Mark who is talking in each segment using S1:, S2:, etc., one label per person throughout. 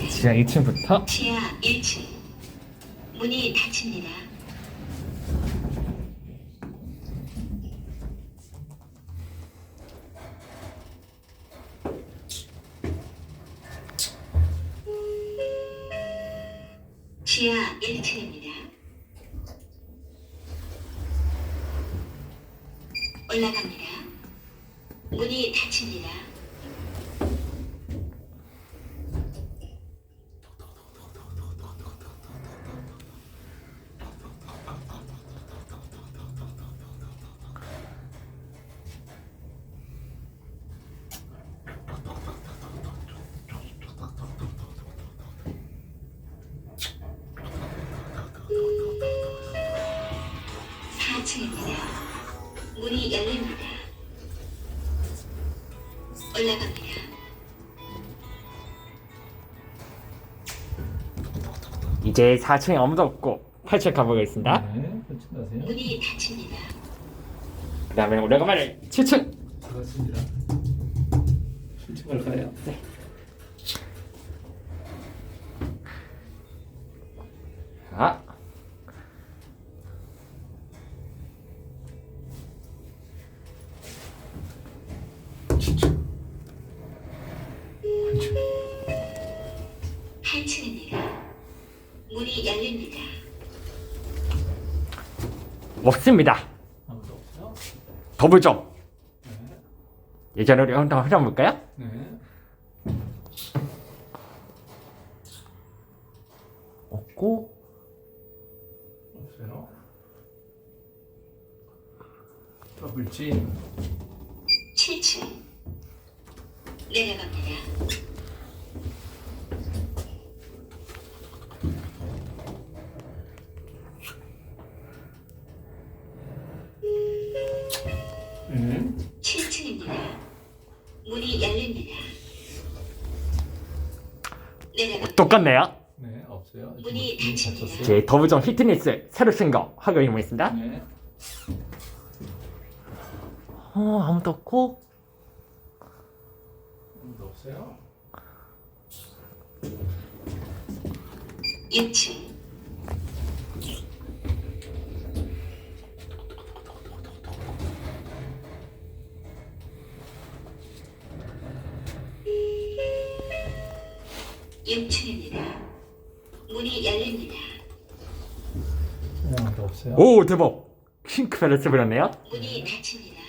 S1: 지하 1층부터
S2: 지하 1층. 문이 닫힙니다. 지하 1층입니다. 올라갑니다. 문이 닫힙니다. 문이 열립니다. 올라갑니다.
S1: 이제 4층에 아무도 없고 8층 가보겠습니다.
S3: 네, 끝나세요.
S2: 문이 닫힙니다.
S1: 그 다음에 오래간만에 7층.
S3: 반갑습니다. 7층으로 가요.
S1: 네. 자,
S3: 그렇죠.
S2: 8층입니다. 문이 열립니다.
S1: 없습니다.
S3: 아무도 없어요?
S1: 더블점.
S3: 네.
S1: 예전으로 한번 흘려볼까요?
S3: 네.
S1: 없고
S3: 없어요. 더블진.
S2: 7층. 내려갑니다.
S3: 네.
S2: 7층입니다. 문이 열립니다. 내려갑니다.
S1: 똑같네요.
S3: 네, 없어요.
S2: 문이
S3: 문이
S2: 닫힙니다.
S3: 닫혔어요.
S1: 제 더블점 피트니스 새로 쓴 거 확인해보겠습니다.
S3: 네.
S1: 아무도 없고
S3: 아무도 없어요.
S2: 6층. 육층입니다. 문이 열립니다.
S3: 네, 아무도 없어요.
S1: 오 대박. 핑크 밸런스 버렸네요.
S2: 문이 닫힙니다.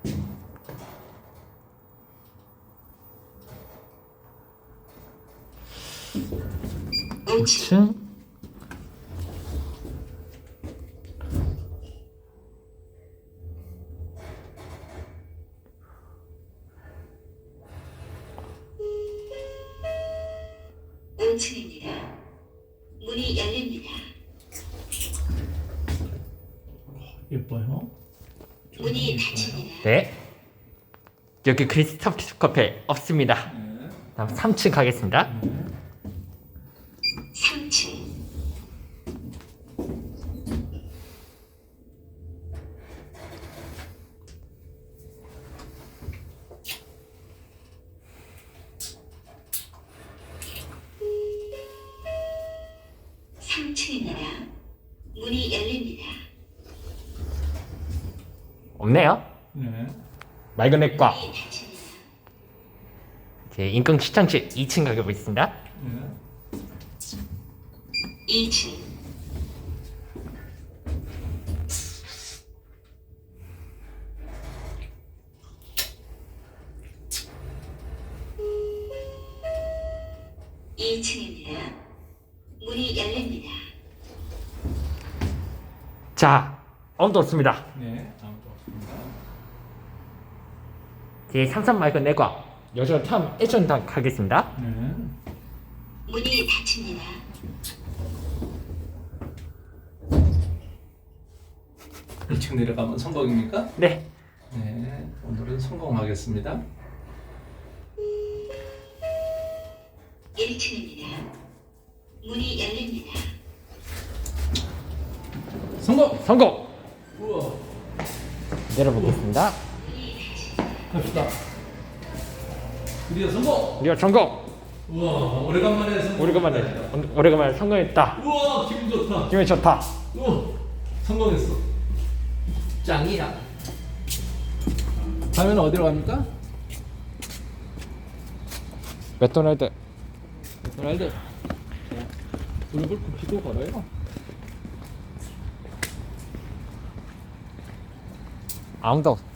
S2: 오층.
S1: 5층.
S2: 오층입니다. 문이 열립니다.
S3: 예뻐요.
S2: 문이 닫힙니다.
S1: 네. 여기 크리스토프 커피 없습니다.
S3: 네.
S1: 다음 3층 가겠습니다.
S2: 3층. 삼층입니다. 문이 열립니다.
S1: 없네요.
S3: 네.
S1: 맑은 액과
S2: 문이 닫힙니다.
S1: 제 인근 시청실 2층 가보겠습니다.
S3: 네.
S2: 2층. 이층입니다. 문이 열립니다.
S1: 자, 아무도 없습니다.
S3: 네, 아무도 없습니다.
S1: 제 삼삼 맑은 액과 여전 탐 애전당 가겠습니다.
S3: 네.
S2: 문이 닫힙니다.
S3: 이층 내려가면 성공입니까?
S1: 네.
S3: 네, 오늘은 성공하겠습니다.
S2: 1층입니다. 문이 열립니다.
S3: 성공!
S1: 성공.
S3: 우와,
S1: 내려보겠습니다.
S3: 갑시다. 드디어 성공!
S1: 리어 성공.
S3: 우와, 오래간만에
S1: 오래간만에 성공했다.
S3: 우와, 기분 좋다.
S1: 기분이 좋다.
S3: 우와, 성공했어. 짱이야. 다음에는 어디로 갑니까?
S1: 맥도날드.
S3: 맥도날드. 얼굴 굽히고 걸어요.
S1: 아무도